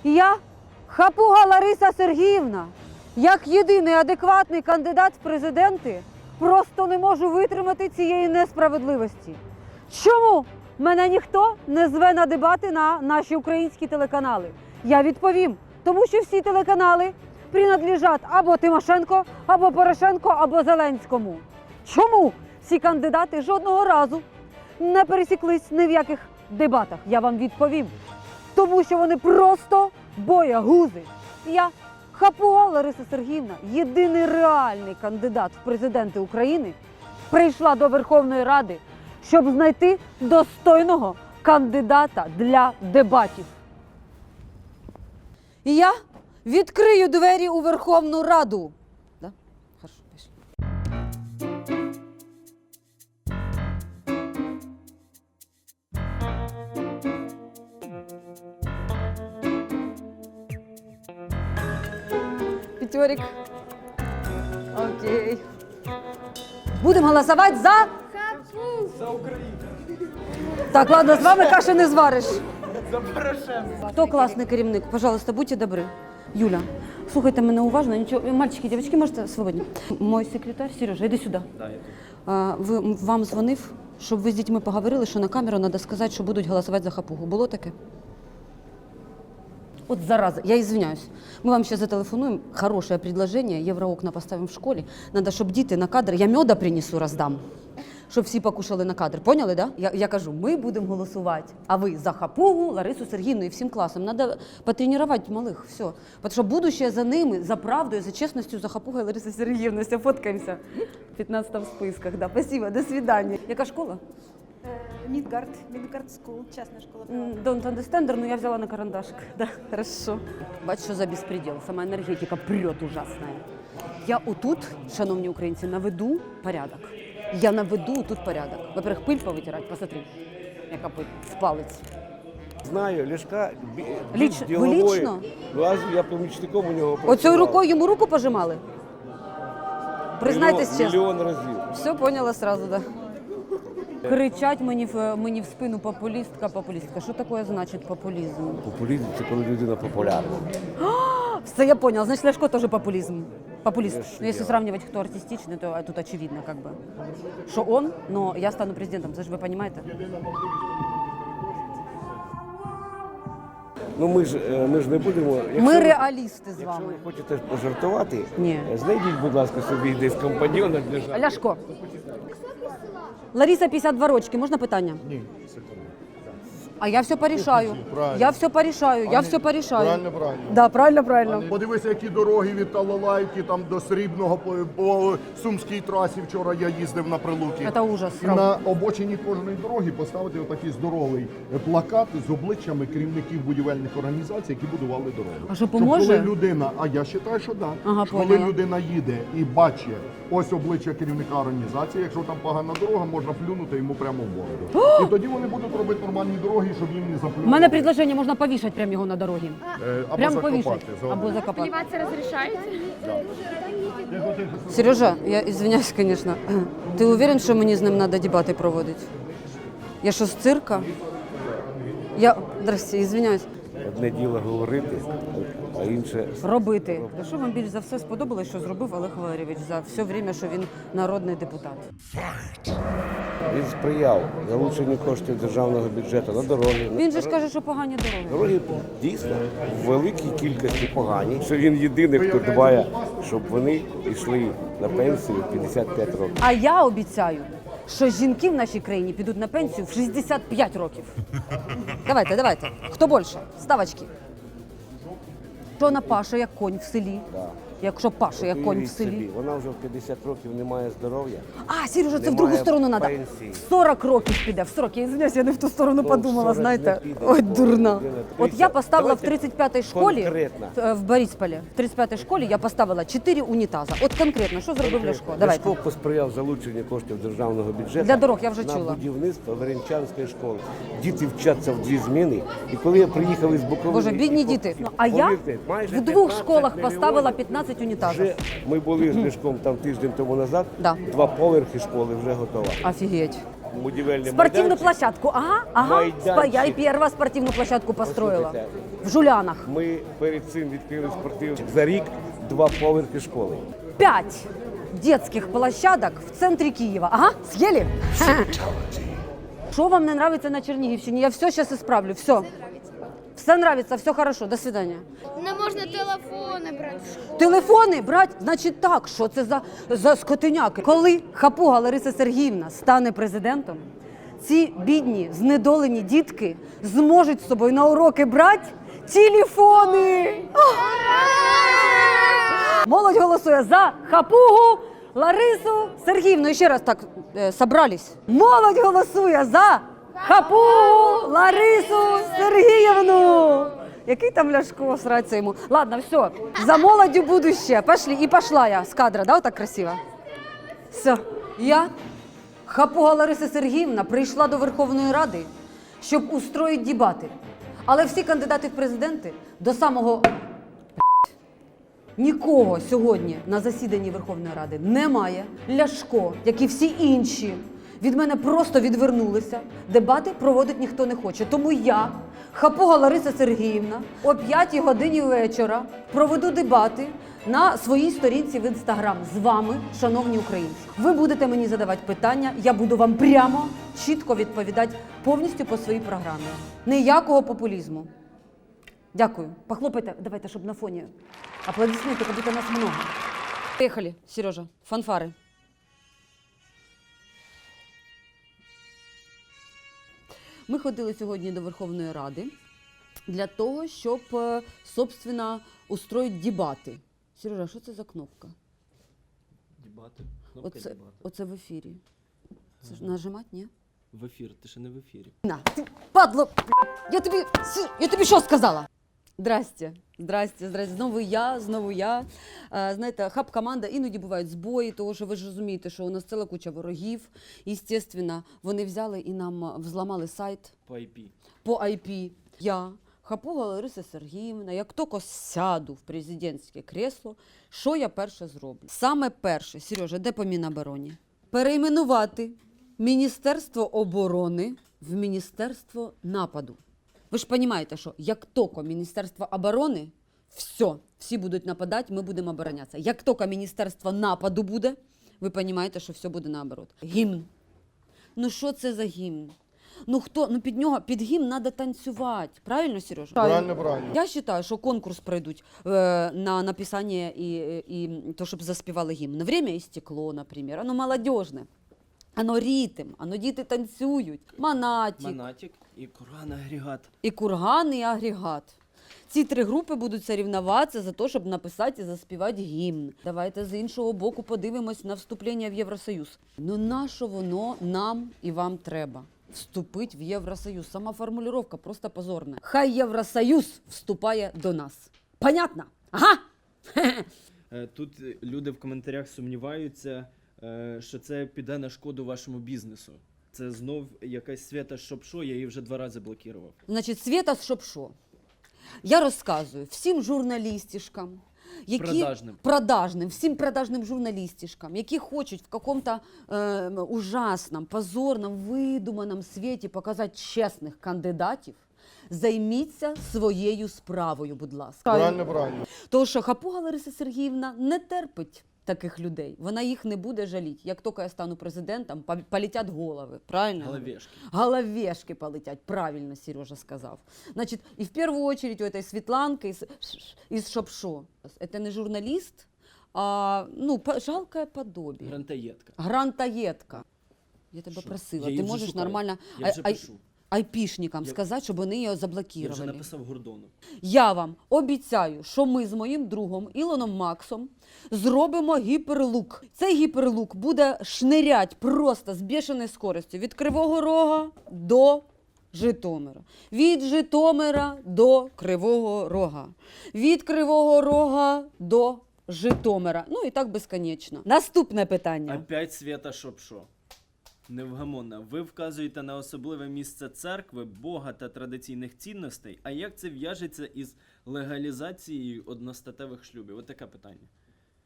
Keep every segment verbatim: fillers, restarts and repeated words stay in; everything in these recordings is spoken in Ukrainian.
Я, Хапуга Лариса Сергіївна, як єдиний адекватний кандидат в президенти, просто не можу витримати цієї несправедливості. Чому мене ніхто не зве на дебати на наші українські телеканали? Я відповім, тому що всі телеканали принадлежать або Тимошенко, або Порошенко, або Зеленському. Чому ці кандидати жодного разу не пересіклись ні в яких дебатах? Я вам відповім. Тому що вони просто боягузи. Я, Хапуга Лариса Сергіївна, єдиний реальний кандидат в президенти України, прийшла до Верховної Ради, щоб знайти достойного кандидата для дебатів. І я відкрию двері у Верховну Раду. Да? Хорошо, пішли. Пятерик. Окей. Будем голосовать за... За Україну. Так, ладно, з вами каші не звариш. За Порошенка. Хто класний керівник? Пожалуйста, будьте добрі. Юля, слухайте мене уважно. Нічого, мальчики, дівчатки, можете свободні. Мой секретар, Сережа, йди сюди. Да, я тут. А, ви, вам дзвонив, щоб ви з дітьми поговорили, що на камеру треба сказати, що будуть голосувати за Хапугу. Було таке? От зараза, я извиняюсь. Ми вам ще зателефонуємо. Хороше предложение, євроокна поставимо в школі. Надо, щоб діти на кадр, я меда принесу, роздам. Щоб всі покушали на кадр. Поняли, да? Я, я кажу, ми будемо голосувати, а ви за Хапугу, Ларису Сергіївну і всім класом. Надо потренувати малих, все. Тому що будущее за ними, за правдою, за чесністю, за Хапугою Ларисою Сергіївною. Все, фоткаємося. в пятнадцатом списках, да. Спасибо, до свидания. Яка школа? Мидгард, Мидгард Скул, частная школа. М, Don't understand, но я взяла на карандашик. Да, хорошо. Бачиш, що за безпреділ. Сама енергетика прет ужасная. Я отут, шановні українці, наведу порядок. Я наведу тут порядок. Во-первых, пыль повитирать, посмотри, яка пыль в палець. Знаю, Ляшка бі- Ліч- більш ви ділової. лічно? Лазю, я помічником у нього Оцею працював. рукою йому руку пожимали? Признайтесь Мільйон- чесно. Мільйон разів. Все поняла сразу, да. Кричать мені в, мені в спину популістка, популістка. Що таке значить популізм? Популізм – це коли людина популярна. Все, я понял. Значит, Ляшко тоже популизм. Популист. Конечно, Но если я. сравнивать, кто артистичный, то тут очевидно, как бы, что он, но я стану президентом. Це ж ви понимаете? Ну ми ж, е, ми ж не будемо… Якщо, Ми ви- реалісти з якщо вами. ви хочете пожартувати, Ні. е, знайдіть, будь ласка, собі десь компаньйона для жарту. Ляшко. Лариса, п'ятдесят два рочки. Можна питання? Ні, секунду. А я все порішаю. Правильно. Я все порішаю. Я А, все ні, порішаю. правильно, правильно. Да, правильно, правильно. Подивися, які дороги від Талалайки там до Срібного по, по Сумській трасі. Вчора я їздив на Прилуки. Це ужас. І на обочині кожної дороги поставити отакий здоровий плакат з обличчями керівників будівельних організацій, які будували дороги. А що, Щоб поможе? коли людина, а я вважаю, що так. Ага, Коли поняла. людина їде і бачить ось обличчя керівника організації, якщо там погана дорога, можна плюнути йому прямо в бороду. І тоді вони будуть робити нормальні дороги, щоб їм не У заплювали. мене предложення, можна повішати прямо його на дорогі. Е, або Прямо закопати. повішати. за- Або закопати. Плеваться разрешаете? Сережа, я извиняюсь, конечно. Ти уверен, що мені з ним треба дебати проводити? Я що, з цирка? Я, здрасте, извиняюсь. Одне діло говорити, а інше… Робити. Що вам більш за все сподобалось, що зробив Олег Валерійович за все время, що він народний депутат? Він сприяв залученню коштів державного бюджету на дороги. Він же ж каже, що погані дороги. Дороги дійсно в великій кількості погані, що він єдиний, хто дбає, щоб вони йшли на пенсію в п'ятдесят п'ять років. А я обіцяю, що жінки в нашій країні підуть на пенсію в шістдесят п'ять років. Давайте, давайте. Хто більше? Ставочки. Що вона паше, як конь в селі? Да. Якщо паше, як конь в Уявіть селі. собі, вона вже в п'ятдесят років не має здоров'я. А, Сережа, це в Немає другу сторону треба. пенсії. В сорок років піде, в сорок. Я извиняюсь, я не в ту сторону Ну, подумала, в сорок знаєте. не піде, Ой, бо дурна. людина От я тридцять. поставила в Давайте тридцять п'ятій школі, конкретно. е, в Борисполі, в тридцять п'ятій школі я поставила чотири унітаза. От конкретно, що зробив Ляшко? Давайте. Ляшко посприяв залученню коштів державного бюджету Для дорог, я вже на чула. будівництво Веренчанської школи. Діти вчаться в дві зміни. І коли я приїхав із Буковини... Боже, бідні і по- діти. Ну, а я повірте, майже в двох п'ятнадцять школах мільйонів поставила п'ятнадцять унітазів. Вже ми були з Ляшком там тиждень тому назад, Да. два поверхи школи вже готова. Офігеть. будівельний Спортивную майданчик. площадку. Ага, ага. Майданчик. Я и первая спортивную площадку построила. Послухайте, В Жулянах. Ми перед цим відкрили спортивний за рік два поверхи школи. Пять детских площадок в центре Киева. Ага, съели? Что вам не нравится на Черниговщине? Я все сейчас исправлю, все. Все нравится, все хорошо, до свидания. Не можна телефони брати в школу. Телефони брать, значить так, що це за, за скотиняки? Коли Хапуга Лариса Сергіївна стане президентом, ці бідні, знедолені дітки зможуть з собою на уроки брати телефони. Молодь голосує за Хапугу Ларису Сергіївну. І ще раз так е, собрались. Молодь голосує за Хапугу Ларису Сергіївну. Який там Ляшко, сраться йому. Ладно, все, за молоддю будущее. Пошли. І пошла я з кадра, да, так красиво? Все, я, Хапуга Лариса Сергіївна, прийшла до Верховної Ради, щоб устроїти дебати. Але всі кандидати в президенти до самого нікого сьогодні на засіданні Верховної Ради немає. Ляшко, як і всі інші, від мене просто відвернулися. Дебати проводити ніхто не хоче. Тому я, Хапуга Лариса Сергіївна, о п'ятій годині вечора проведу дебати на своїй сторінці в Інстаграм з вами, шановні українці. Ви будете мені задавати питання, я буду вам прямо, чітко відповідати повністю по своїй програмі. Ніякого популізму. Дякую. Похлопайте, давайте, щоб на фоні аплодисменти, як будто нас много. Поїхали, Сережа, фанфари. Ми ходили сьогодні до Верховної Ради для того, щоб, е, собственно, устроїти дебати. Сережа, що це за кнопка? Дебати. Кнопка Оце, дебати. оце в ефірі. Це ж нажимати, ні? В ефір, ти ще не в ефірі. На, ти, падло, я тобі, с- я тобі що сказала? Здрасте, здрасте, здрасте. Знову я, знову я. Е, знаєте, хаб-команда, іноді бувають збої, тому що ви ж розумієте, що у нас ціла куча ворогів. Естественно, вони взяли і нам взламали сайт По ай пі. по ай пі. Я, Хапуга Лариса Сергіївна, як тільки сяду в президентське кресло, що я перше зроблю? Саме перше, Сережа, де по Мінобороні? Перейменувати Міністерство оборони в Міністерство нападу. Ви ж розумієте, що як тільки Міністерство оборони, все, всі будуть нападати, ми будемо оборонятися. Як тільки Міністерство нападу буде, ви розумієте, що все буде наоборот. Гімн. Ну що це за гімн? Ну хто, ну під нього, під гімн треба танцювати. Правильно, Сережа? Правильно, правильно. Я вважаю, що конкурс пройдуть е, на написання і, і то, щоб заспівали гімн. Время і стекло, наприклад. Оно молодіжне. Оно ритм, оно діти танцюють. Монатік. Монатік і Курган агрегат. І курган, і агрегат. Ці три групи будуть соревнуватися за те, щоб написати і заспівати гімн. Давайте з іншого боку подивимось на вступлення в Євросоюз. Ну нащо воно нам і вам треба? Вступити в Євросоюз. Сама формулювання просто позорна. Хай Євросоюз вступає до нас. Понятно? Ага! Е, Тут е, люди в коментарях сумніваються, е, що це піде на шкоду вашому бізнесу. Це знов якась Свята Шопшо, я її вже два рази блокував. Значить, Свєта, щоб що? Я розказую всім журналістішкам, які Продажним. продажним, всім продажним журналістішкам, які хочуть в каком-то е, ужасному, позорному, видуманому світі показати чесних кандидатів, займіться своєю справою, будь ласка. Правильно, правильно. Тому що Хапуга Лариса Сергіївна не терпить таких людей. Вона їх не буде жаліти. Як тільки я стану президентом, по- полетять голови. Правильно? Головешки. Головешки полетять, правильно Сережа сказав. Значит, и в первую очередь у этой Светланки из, из Шопшо. Это не журналист, а ну, по- жалкое подобие. Грантаєтка. Грантаєтка. Я тебе Що? просила, Я її ти вже можеш шукаю. нормально Я вже ай- пишу. айпішникам Я- сказати, щоб вони її Я вже заблокували. написав Гордону. Я вам обіцяю, що ми з моїм другом Ілоном Максом зробимо гіперлук. Цей гіперлук буде шнирять просто з бешеною скоростю від Кривого Рога до Житомира. Від Житомира до Кривого Рога. Від Кривого Рога до Житомира. Ну і так безконечно. Наступне питання. Опять Свята Шопшо. Невгамонна. Ви вказуєте на особливе місце церкви, Бога та традиційних цінностей. А як це в'яжеться із легалізацією одностатевих шлюбів? Ось таке питання.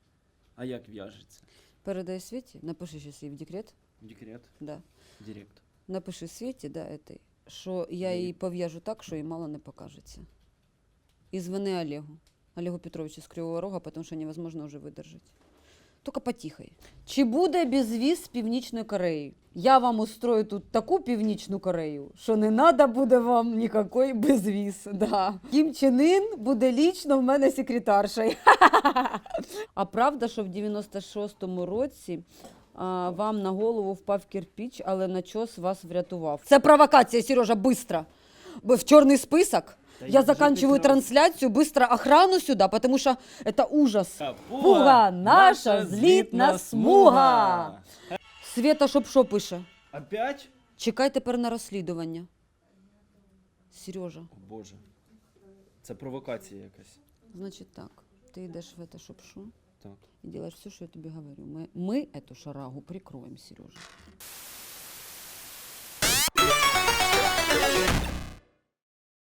А як в'яжеться? Передай Світі, напиши щось їй в декрет. Декрет, Да. директ. напиши Світі, да, этой, що я її пов'яжу так, що їй мало не покажеться. І звони Олегу. Олегу Петровичу з Кривого Рога, тому що невозможно вже видержати. Тільки потихай. Чи буде безвіз з Північною Кореєю? Я вам устрою тут таку Північну Корею, що не треба буде вам ніякий безвіз. Да. Кім Чен Ін буде лічно в мене секретаршою. А правда, що в дев'яносто шостому році а, вам на голову впав кирпич, але начос вас врятував? Це провокація, Сережа, быстро. Бо в чорний список. Та Я вже заканчиваю прекрасно. трансляцию, быстро охрану сюда, потому что это ужас. Пуга, Пуга, наша злітна смуга. Света щоб що пише? Опять? Чекай тепер на розслідування. Сережа, О Боже. Це провокація якась. значить так, ти йдеш в это шоп-шо Так. і робиш все, що я тобі говорю. Ми, ми эту шарагу прикроємо, Сережа.